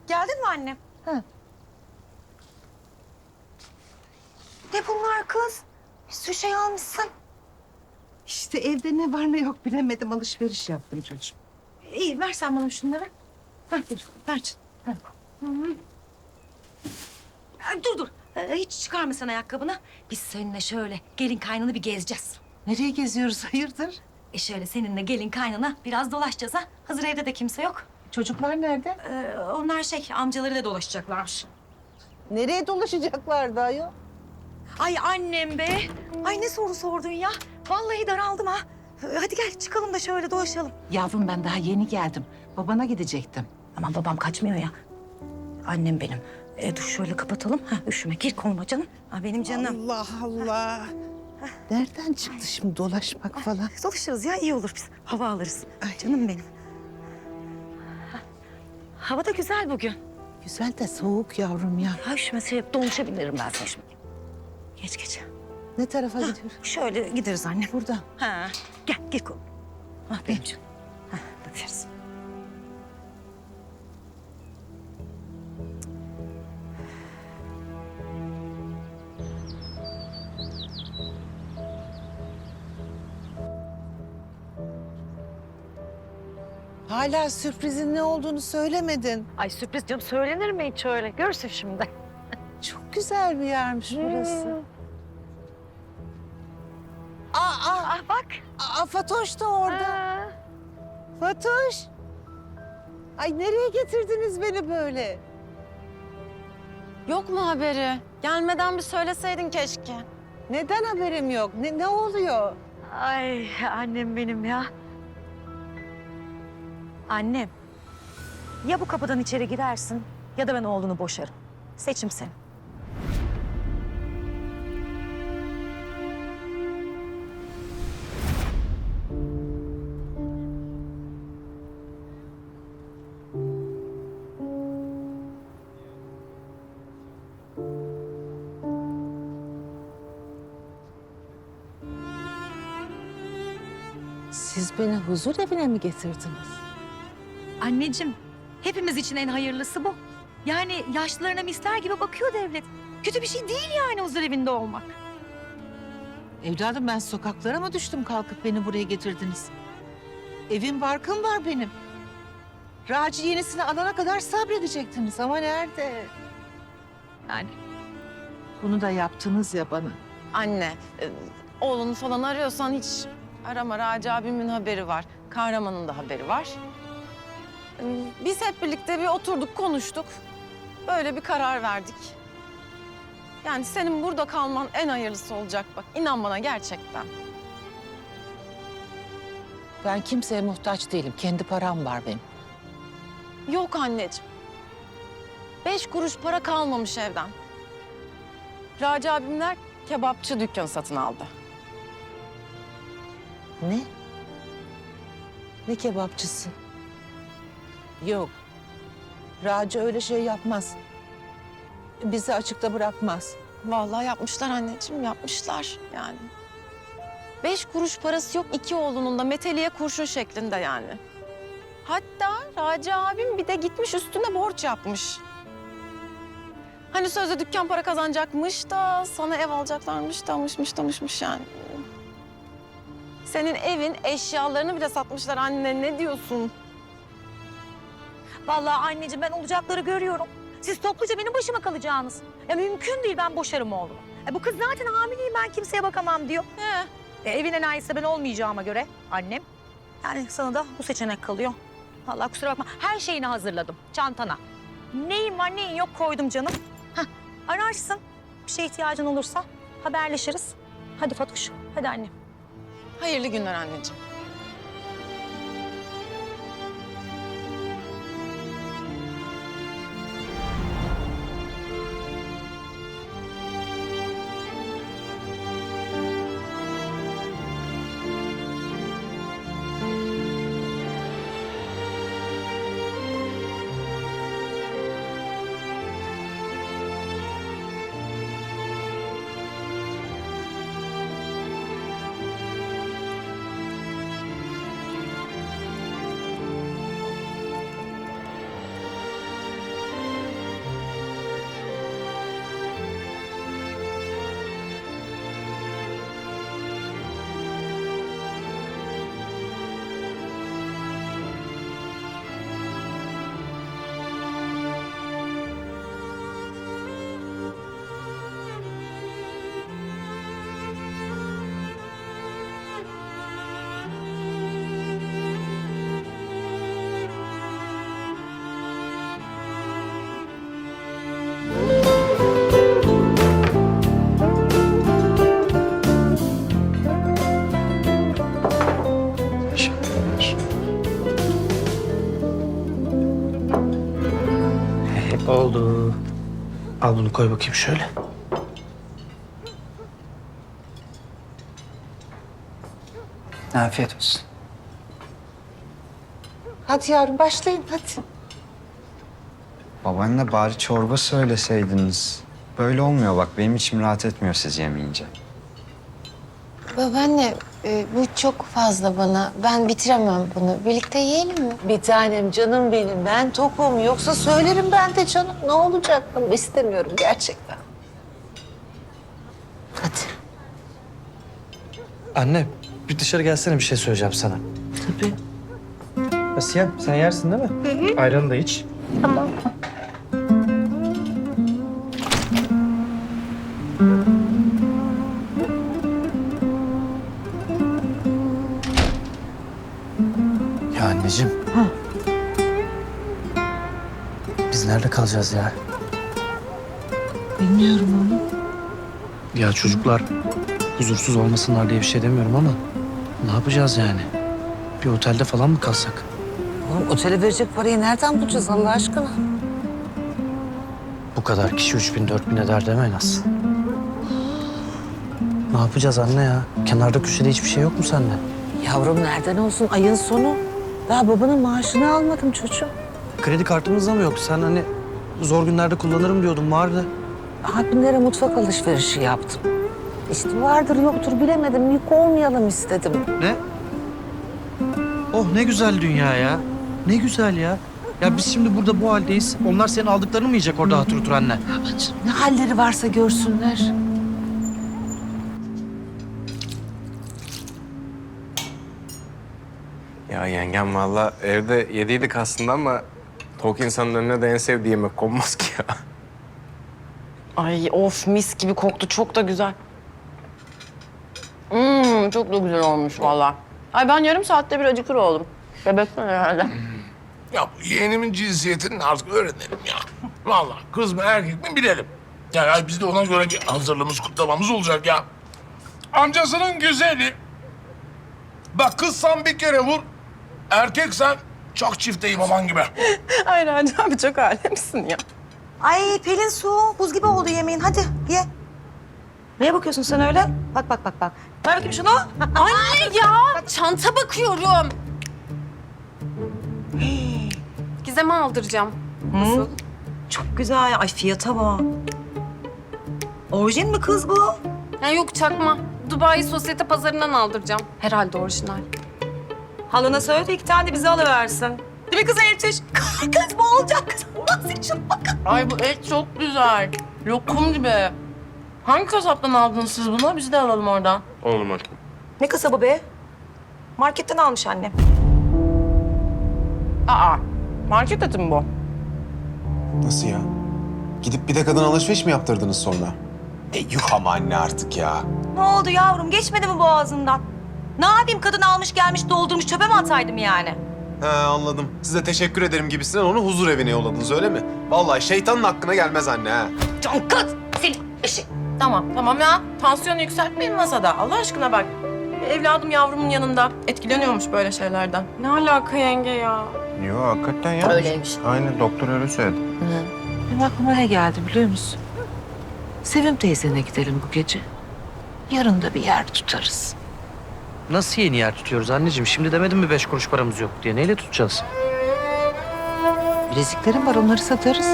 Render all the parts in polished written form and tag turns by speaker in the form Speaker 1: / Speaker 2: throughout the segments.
Speaker 1: Geldin mi annem?
Speaker 2: Ha.
Speaker 1: Ne bunlar kız? Bir sürü şey almışsın.
Speaker 2: İşte evde ne var ne yok bilemedim. Alışveriş yaptım çocuğum.
Speaker 1: İyi ver sen bana şunları.
Speaker 2: Hah, dur, ver canım. Ha.
Speaker 1: Dur. Hiç çıkarma sen ayakkabını. Biz seninle şöyle gelin kaynını bir gezeceğiz.
Speaker 2: Nereye geziyoruz hayırdır?
Speaker 1: Şöyle seninle gelin kaynana biraz dolaşacağız ha. Hazır evde de kimse yok.
Speaker 2: Çocuklar nerede?
Speaker 1: Onlar amcalarıyla dolaşacaklarmış.
Speaker 2: Nereye dolaşacaklar da ayol?
Speaker 1: Ay annem be. Ay ne soru sordun ya. Vallahi daraldım ha. Hadi gel çıkalım da şöyle dolaşalım.
Speaker 2: Yavrum ben daha yeni geldim. Babana gidecektim.
Speaker 1: Aman babam kaçmıyor ya. Annem benim. Dur şöyle kapatalım. Ha, üşüme gir koluma canım. Ha, benim canım.
Speaker 2: Allah Allah. Nereden çıktı şimdi dolaşmak falan?
Speaker 1: Dolaşırız ya iyi olur biz. Hava alırız.
Speaker 2: Ay.
Speaker 1: Canım benim. Ha, hava da güzel bugün.
Speaker 2: Güzel de soğuk yavrum ya.
Speaker 1: Ha, üşümese dolmuşa binerim ben sana şimdi. Geç.
Speaker 2: Ne tarafa gidiyoruz?
Speaker 1: Şöyle gideriz anne.
Speaker 2: Buradan.
Speaker 1: Ha, gel gir koluma. Ha, benim canım. Ha, bakıyoruz.
Speaker 2: Hala sürprizin ne olduğunu söylemedin.
Speaker 1: Ay sürpriz canım söylenir mi hiç öyle? Görsün şimdi.
Speaker 2: Çok güzel bir yermiş burası. Aa,
Speaker 1: Bak.
Speaker 2: Fatoş da orada. Fatoş. Ay nereye getirdiniz beni böyle?
Speaker 3: Yok mu haberi? Gelmeden bir söyleseydin keşke.
Speaker 2: Neden haberim yok? Ne oluyor?
Speaker 1: Ay annem benim ya. Annem. Ya bu kapıdan içeri girersin ya da ben oğlunu boşarım. Seçim senin.
Speaker 2: Siz beni huzur evine mi getirdiniz?
Speaker 1: Anneciğim, hepimiz için en hayırlısı bu. Yani yaşlılarına mister gibi bakıyor devlet. Kötü bir şey değil yani huzur evinde olmak.
Speaker 2: Evladım ben sokaklara mı düştüm kalkıp beni buraya getirdiniz? Evim barkım var benim. Raci yenisini alana kadar sabredecektiniz ama nerede?
Speaker 1: Yani
Speaker 2: Bunu da yaptınız ya bana.
Speaker 3: Anne, oğlunu falan arıyorsan hiç arama. Raci abimin haberi var. Kahramanın da haberi var. Biz hep birlikte bir oturduk, konuştuk. Böyle bir karar verdik. Yani senin burada kalman en hayırlısı olacak bak. İnan bana gerçekten.
Speaker 2: Ben kimseye muhtaç değilim. Kendi param var benim.
Speaker 3: Yok anneciğim. 5 kuruş para kalmamış evden. Raci abimler kebapçı dükkanı satın aldı.
Speaker 2: Ne? Ne kebapçısı? Yok. Raci öyle şey yapmaz. Bizi açıkta bırakmaz.
Speaker 3: Vallahi yapmışlar anneciğim, yapmışlar yani. 5 kuruş parası yok iki oğlunun da meteliğe kurşun şeklinde yani. Hatta Raci abim bir de gitmiş üstüne borç yapmış. Hani sözde dükkan para kazanacakmış da sana ev alacaklarmış damışmış yani. Senin evin eşyalarını bile satmışlar anne, ne diyorsun?
Speaker 1: vallahi anneciğim ben olacakları görüyorum. Siz topluca benim başıma kalacaksınız. Ya mümkün değil ben boşarım oğlumu. Bu kız zaten hamileyim ben kimseye bakamam diyor.
Speaker 3: He.
Speaker 1: Evin enayisi ben olmayacağıma göre annem. Yani sana da bu seçenek kalıyor. Vallahi kusura bakma her şeyini hazırladım çantana. Neyin var neyin yok koydum canım. Hah, ararsın bir şeye ihtiyacın olursa haberleşiriz. Hadi Fatoş hadi annem.
Speaker 3: Hayırlı günler anneciğim.
Speaker 4: Oldu. Al bunu koy bakayım şöyle. Afiyet olsun.
Speaker 2: Hadi yavrum başlayın hadi.
Speaker 5: Babaanne bari çorba söyleseydiniz. Böyle olmuyor bak. Benim içim rahat etmiyor siz yemeyince.
Speaker 6: Babaanne, bu çok fazla bana. Ben bitiremem bunu. Birlikte yiyelim mi?
Speaker 2: Bir tanem canım benim, ben tokum. Yoksa söylerim ben de canım. Ne olacak? İstemiyorum gerçekten. Hadi.
Speaker 4: Anne bir dışarı gelsene, bir şey söyleyeceğim sana.
Speaker 2: Tabii.
Speaker 4: Asiye sen yersin değil mi? Hı hı. Ayranı da iç. Ya anneciğim. Biz nerede kalacağız ya?
Speaker 2: Bilmiyorum onu.
Speaker 4: Ya çocuklar huzursuz olmasınlar diye bir şey demiyorum ama ne yapacağız yani? Bir otelde falan mı kalsak?
Speaker 2: Oğlum otele verecek parayı nereden bulacağız Allah aşkına?
Speaker 4: Bu kadar kişi 3000 4000 eder deme en az. Ne yapacağız anne ya? Kenarda köşede hiçbir şey yok mu sende?
Speaker 2: Yavrum nereden olsun ayın sonu? Daha babanın maaşını almadım çocuğum.
Speaker 4: Kredi kartımız da mı yok? Sen hani zor günlerde kullanırım diyordun, vardı.
Speaker 2: Abimlere mutfak alışverişi yaptım. İşte vardır yoktur bilemedim. Yük olmayalım istedim.
Speaker 4: Ne? Oh ne güzel dünya ya. Ne güzel ya. Ya biz şimdi burada bu haldeyiz. Onlar senin aldıklarını mı yiyecek orada hatır otur anne?
Speaker 2: Babacığım ne halleri varsa görsünler.
Speaker 7: Ya yengem valla evde yediydik aslında ama tok insanın önüne de en sevdiği yemek konmaz ki ya.
Speaker 3: Ay of, mis gibi koktu. Çok da güzel. Çok da güzel olmuş vallahi. Ay ben yarım saatte bir acıkır oldum. Bebekten herhalde.
Speaker 8: Ya bu yeğenimin cinsiyetini artık öğrenelim ya. Vallahi kız mı erkek mi bilelim. Yani biz de ona göre bir hazırlığımız, kutlamamız olacak ya. Amcasının güzeli. Bak kızsan bir kere vur. Erkeksen çok çifte imaman gibi.
Speaker 3: Ay Raci abi çok alemsin ya.
Speaker 1: Ay Pelin Su, buz gibi oldu yemeğin. Hadi ye. Neye bakıyorsun sen öyle? Bak bak bak bak. Ver bakayım şunu.
Speaker 3: Anne ya, çanta bakıyorum. Gizem'e aldıracağım. Nasıl?
Speaker 1: Çok güzel. Ay fiyata bak. Orijin mi kız bu?
Speaker 3: Ya yok çakma. Dubai sosyete pazarından aldıracağım. Herhalde orijinal.
Speaker 1: Halına söyle de 2 tane de bize alıversin. Değil mi kız Elçiş? Kız bu olacak kız. Nasıl için bakın.
Speaker 3: Ay bu et çok güzel. Lokum gibi. Hangi kasaptan aldınız siz bunu? Biz de alalım oradan.
Speaker 7: Oğlum aşkım.
Speaker 1: Ne kasabı be? Marketten almış annem.
Speaker 3: Aa, market eti mi bu?
Speaker 9: Nasıl ya? Gidip bir de kadın alışveriş mi yaptırdınız sonra? Yuh ama anne artık ya.
Speaker 1: Ne oldu yavrum? Geçmedi mi boğazından? Ne yapayım? Kadın almış gelmiş doldurmuş çöpe mi ataydım yani?
Speaker 9: He anladım. Size teşekkür ederim gibisinden onu huzur evine yolladınız öyle mi? Vallahi şeytanın hakkına gelmez anne ha.
Speaker 1: Can kız! Senin eşi.
Speaker 3: Tamam ya. Tansiyonu yükseltmeyin masada. Allah aşkına bak. Evladım yavrumun yanında. Etkileniyormuş böyle şeylerden. Ne alaka yenge ya?
Speaker 7: Yo hakikaten ya.
Speaker 3: Öyleymiş.
Speaker 7: Aynen doktor öyle söyledi.
Speaker 2: Benim aklıma ne geldi biliyor musun? Sevim teyzene gidelim bu gece. Yarın da bir yer tutarız.
Speaker 4: Nasıl yeni yer tutuyoruz anneciğim? Şimdi demedim mi 5 kuruş paramız yok diye? Neyle tutacağız?
Speaker 2: Bileziklerim var onları satarız.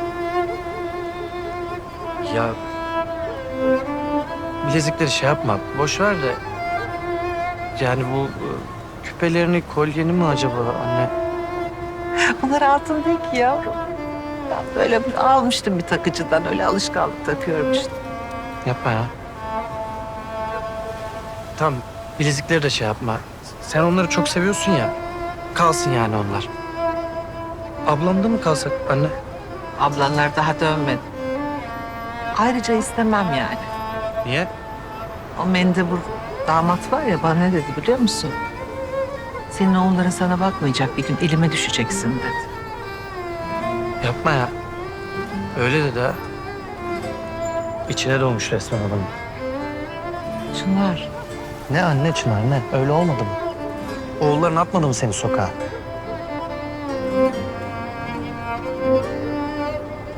Speaker 4: Ya bilezikleri şey yapma. Boş ver de. Yani bu küpelerini, kolyeni mi acaba anne?
Speaker 2: Bunlar altın değil ki yavrum. Ben böyle almıştım bir takıcıdan öyle alışkanlık takıyorum işte.
Speaker 4: Yapma ya. Tamam, bilezikleri de şey yapma. Sen onları çok seviyorsun ya. Kalsın yani onlar. Ablamda mı kalsak anne?
Speaker 2: Ablanlar daha dönmedi. Ayrıca istemem yani.
Speaker 4: Niye?
Speaker 2: O mendebur damat var ya bana ne dedi biliyor musun? Senin oğulların sana bakmayacak bir gün elime düşeceksin dedi.
Speaker 4: Yapma ya. Öyle dedi ha. İçine doğmuş resmen adamın.
Speaker 2: Çınar.
Speaker 4: Ne anne Çınar ne? Öyle olmadı mı? Oğulların atmadı mı seni sokağa?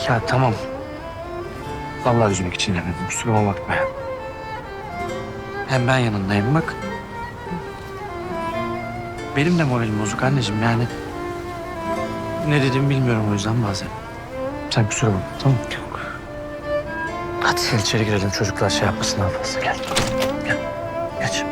Speaker 4: Ya tamam. Vallahi üzmek için demedim. Kusuruma bakma ya. Hem ben yanındayım bak. Benim de moralim bozuk anneciğim yani. Ne dediğimi bilmiyorum o yüzden bazen. Sen kusura bakma tamam mı? Yok. Hadi. Gel içeri girelim çocuklar şey yapmasın daha fazla. Gel. Gel. Geç.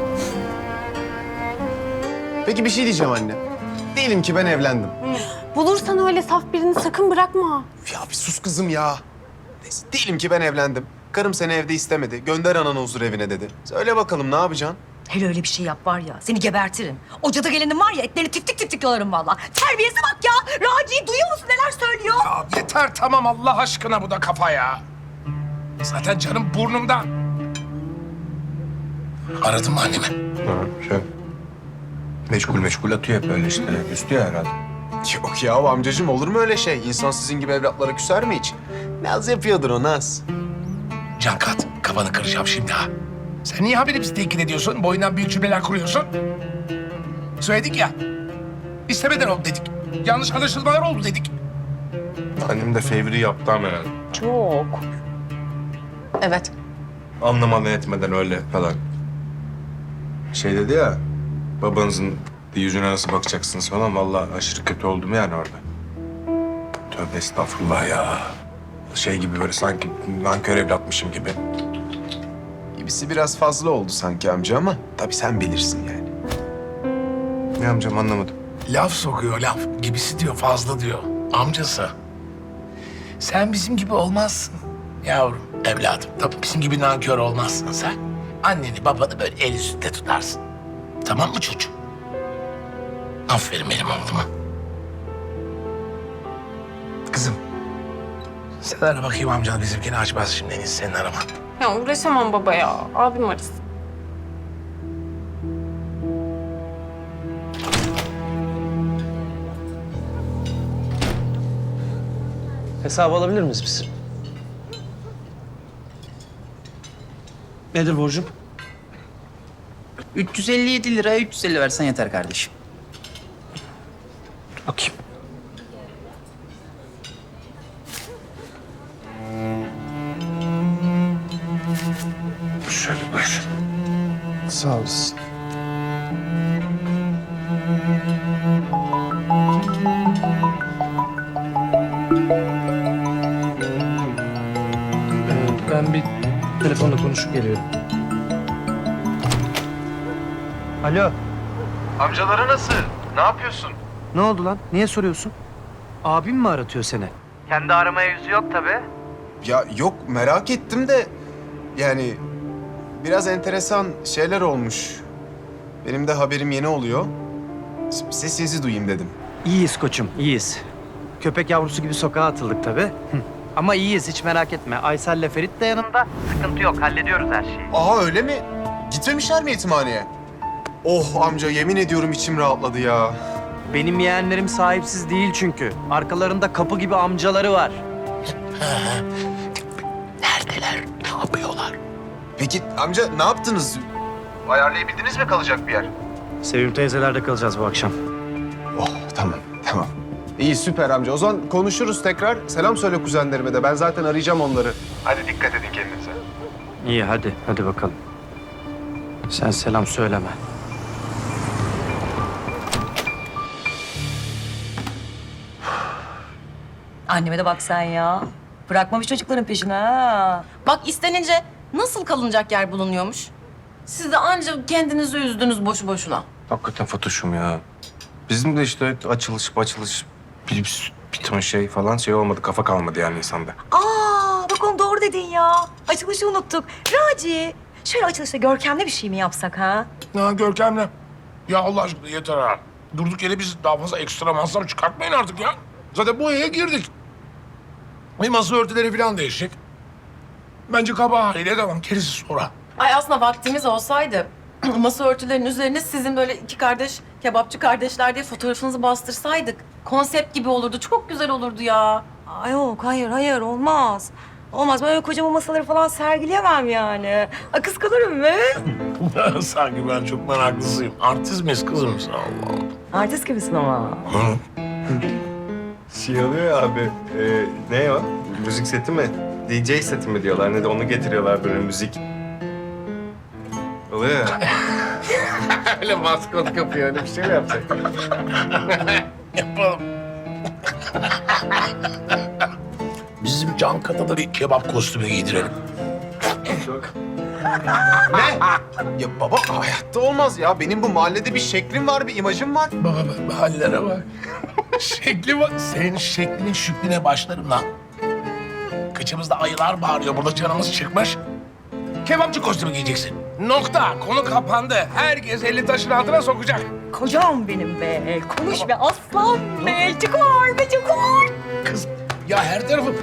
Speaker 9: Peki bir şey diyeceğim anne. Diyelim ki ben evlendim.
Speaker 3: Bulursan öyle saf birini sakın bırakma.
Speaker 9: Ya bir sus kızım ya. Neyse, diyelim ki ben evlendim. Karım seni evde istemedi. Gönder ananı huzur evine dedi. Söyle bakalım ne yapacaksın?
Speaker 1: Hele öyle bir şey yap var ya, seni gebertirim. O cadı gelenin var ya, etlerini tiftik tiftik yolarım valla. Terbiyesi bak ya. Raci'yi duyuyor musun neler söylüyor?
Speaker 8: Ya yeter tamam Allah aşkına bu da kafa ya. Zaten canım burnumdan. Aradın mı annemi?
Speaker 7: Meşgul atıyor hep öyle işte. Üstü ya herhalde.
Speaker 9: Yok ya amcacığım olur mu öyle şey? İnsan sizin gibi evlatlara küser mi hiç? Naz yapıyordur o Naz.
Speaker 8: Cankat, kafanı kıracağım şimdi ha. Sen niye haberi bizi tehdit ediyorsun? Boyundan büyük cümleler kuruyorsun. Söyledik ya. İstemeden oldu dedik. Yanlış anlaşılmalar oldu dedik.
Speaker 7: Annem de fevri yaptı ama herhalde.
Speaker 1: Çok.
Speaker 3: Evet.
Speaker 7: Anlamadan etmeden öyle falan. Şey dedi ya, babanızın yüzüne nasıl bakacaksınız falan. Vallahi aşırı kötü oldum yani orada. Tövbe estağfurullah ya. Şey gibi böyle sanki nankör evlatmışım gibi.
Speaker 9: Gibisi biraz fazla oldu sanki amca ama tabii sen bilirsin yani.
Speaker 7: Ne amcam anlamadım.
Speaker 8: Laf sokuyor laf. Gibisi diyor fazla diyor. Amcası. Sen bizim gibi olmazsın. Yavrum, evladım. Tabii bizim gibi nankör olmazsın sen. Anneni babanı böyle el üstünde tutarsın. Tamam mı çocuğum? Aferin benim oğluma. Kızım. Sen ara bakayım amcan bizimkini açmaz şimdi en iyisi senin araman.
Speaker 3: Ya uğraşamam baba ya. Abim arasın.
Speaker 4: Hesabı alabilir miyiz biz? Nedir borcum?
Speaker 10: 357 liraya 350 versen yeter kardeşim.
Speaker 4: Bakayım.
Speaker 7: Şöyle buyur.
Speaker 9: Sağ olasın.
Speaker 4: Ben bir telefonla konuşup geliyorum. Alo.
Speaker 9: Amcaları nasıl? Ne yapıyorsun?
Speaker 4: Ne oldu lan? Niye soruyorsun? Abim mi aratıyor seni? Kendi aramaya yüzü yok tabii.
Speaker 9: Ya yok merak ettim de yani biraz enteresan şeyler olmuş. Benim de haberim yeni oluyor. Sesinizi duyayım dedim.
Speaker 4: İyiyiz koçum, iyiyiz. Köpek yavrusu gibi sokağa atıldık tabii. Ama iyiyiz, hiç merak etme. Aysel'le Ferit de yanımda. Sıkıntı yok, hallediyoruz her şeyi.
Speaker 9: Aha öyle mi? Gitmemişler mi yetimhaneye? Oh amca yemin ediyorum içim rahatladı ya.
Speaker 4: Benim yeğenlerim sahipsiz değil çünkü. Arkalarında kapı gibi amcaları var.
Speaker 8: Neredeler? Ne yapıyorlar?
Speaker 9: Peki amca ne yaptınız? Ayarlayabildiniz mi kalacak bir yer?
Speaker 4: Sevim teyzelerde kalacağız bu akşam.
Speaker 9: Oh tamam tamam. İyi süper amca. O zaman konuşuruz tekrar. Selam söyle kuzenlerime de. Ben zaten arayacağım onları. Hadi dikkat edin kendinize.
Speaker 4: İyi hadi bakalım. Sen selam söyleme.
Speaker 1: Anneme de bak sen ya. Bırakmamış çocukların peşine ha.
Speaker 3: Bak istenince nasıl kalınacak yer bulunuyormuş? Siz de ancak kendinizi üzdünüz boşu boşuna.
Speaker 7: Hakikaten Fatoş'um ya. Bizim de işte açılış bir ton şey falan şey olmadı. Kafa kalmadı yani insanda.
Speaker 1: Aa, bak onu doğru dedin ya. Açılışı unuttuk. Raci, şöyle açılışta görkemli bir şey mi yapsak ha?
Speaker 8: Ya Görkem'le. Ya Allah aşkına yeter ha. Durduk yere biz daha fazla ekstra masraf çıkartmayın artık ya. Zaten bu eve girdik. Bir masa örtüleri falan değişecek. Bence kaba haliyle devam. Gerisi sonra.
Speaker 3: Ay aslında vaktimiz olsaydı masa örtülerinin üzerine sizin böyle iki kardeş, kebapçı kardeşler diye fotoğrafınızı bastırsaydık. Konsept gibi olurdu. Çok güzel olurdu ya.
Speaker 1: Aa, yok, hayır olmaz. Olmaz, ben öyle kocaman masaları falan sergileyemem yani. Aa, kıskanırım be.
Speaker 8: Sanki ben çok meraklısıyım. Artist miyiz kızım sen Allah Allah.
Speaker 1: Artist gibisin ama.
Speaker 8: Hı.
Speaker 7: Şey oluyor ya abi, ne o? Müzik seti mi? DJ seti mi diyorlar, ne de onu getiriyorlar böyle müzik. Oluyor ya. Öyle maskot kapıyor, öyle bir şey mi yapacak?
Speaker 8: Yapalım. Bizim Can Kat'a da bir kebap kostümü giydirelim.
Speaker 9: Ne? Ya baba hayatta olmaz ya. Benim bu mahallede bir şeklim var, bir imajım var.
Speaker 8: Baba hallere bak. Şekli bak. Senin şeklinin şükline başlarım lan. Kıçımızda ayılar bağırıyor. Burada canımız çıkmış. Kebapçı kostümü giyeceksin. Nokta. Konu kapandı. Herkes elini taşın altına sokacak.
Speaker 1: Kocam benim be. Konuş be aslan be. Çıkar be çıkar.
Speaker 8: Kız ya her tarafım.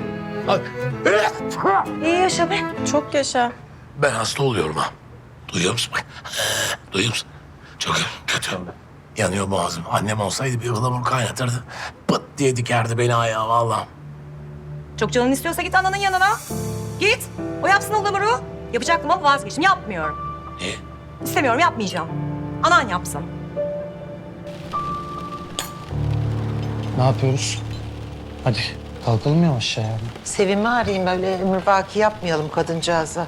Speaker 1: İyi yaşa be.
Speaker 3: Çok yaşa.
Speaker 8: Ben hasta oluyorum ha. Duyuyor musun bak? Duyuyor musun? Çok kötü. Yanıyor boğazım. Annem olsaydı bir ıhlamur kaynatırdı. Pıt diye dikerdi beni ayağa vallahi.
Speaker 1: Çok canın istiyorsa git ananın yanına. Git. O yapsın ıhlamuru. Yapacaktım ama vazgeçtim. Yapmıyorum.
Speaker 8: Niye?
Speaker 1: İstemiyorum, yapmayacağım. Anan yapsın.
Speaker 4: Ne yapıyoruz? Hadi kalkalım yavaş ya.
Speaker 2: Sevim'i arayayım, böyle emrivaki yapmayalım kadıncağıza.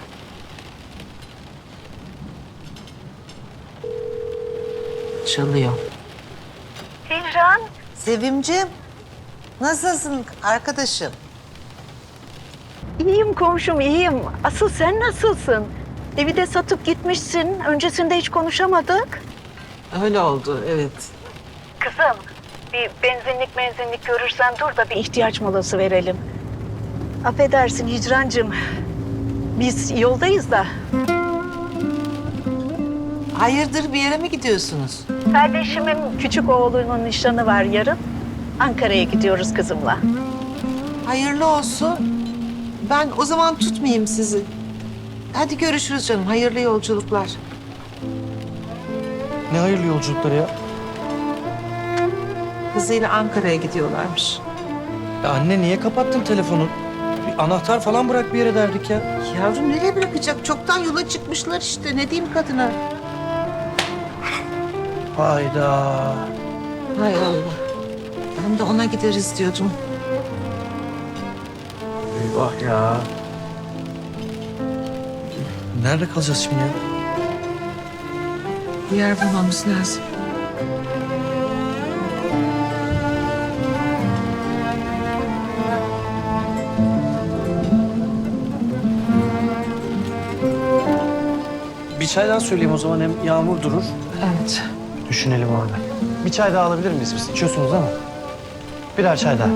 Speaker 2: Çalıyor.
Speaker 11: Hicran,
Speaker 2: Sevimciğim, nasılsın arkadaşım?
Speaker 11: iyiyim komşum, iyiyim. Asıl sen nasılsın? Evi de satıp gitmişsin. Öncesinde hiç konuşamadık.
Speaker 2: Öyle oldu, evet.
Speaker 11: Kızım, bir benzinlik görürsen dur da bir ihtiyaç molası verelim. Affedersin Hicrancığım. Biz yoldayız da.
Speaker 2: Hayırdır, bir yere mi gidiyorsunuz?
Speaker 11: Kardeşimin küçük oğlunun nişanı var yarın. Ankara'ya gidiyoruz kızımla.
Speaker 2: Hayırlı olsun. Ben o zaman tutmayayım sizi. Hadi görüşürüz canım, hayırlı yolculuklar.
Speaker 4: Ne hayırlı yolculukları ya.
Speaker 2: Kızıyla Ankara'ya gidiyorlarmış.
Speaker 4: Ya anne niye kapattın telefonu? Bir anahtar falan bırak bir yere derdik ya.
Speaker 2: Yavrum nereye bırakacak? Çoktan yola çıkmışlar işte. Ne diyeyim kadına?
Speaker 4: Hayda.
Speaker 2: Hay Allah. Ben de ona gideriz diyordum.
Speaker 4: Eyvah ya. Nerede kalacağız şimdi ya?
Speaker 2: Bir yer bulmamız lazım.
Speaker 4: Bir çay daha söyleyeyim o zaman, hem yağmur durur.
Speaker 2: Evet.
Speaker 4: Düşünelim orada. Bir çay daha alabilir miyiz biz? İçiyorsunuz ama. Birer çay daha.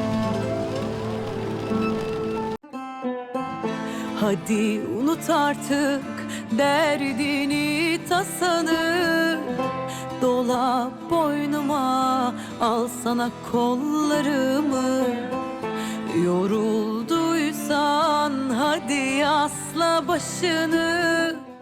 Speaker 12: Hadi unut artık derdini tasanı. Dola boynuma, al sana kollarımı. Yorulduysan hadi asla başını.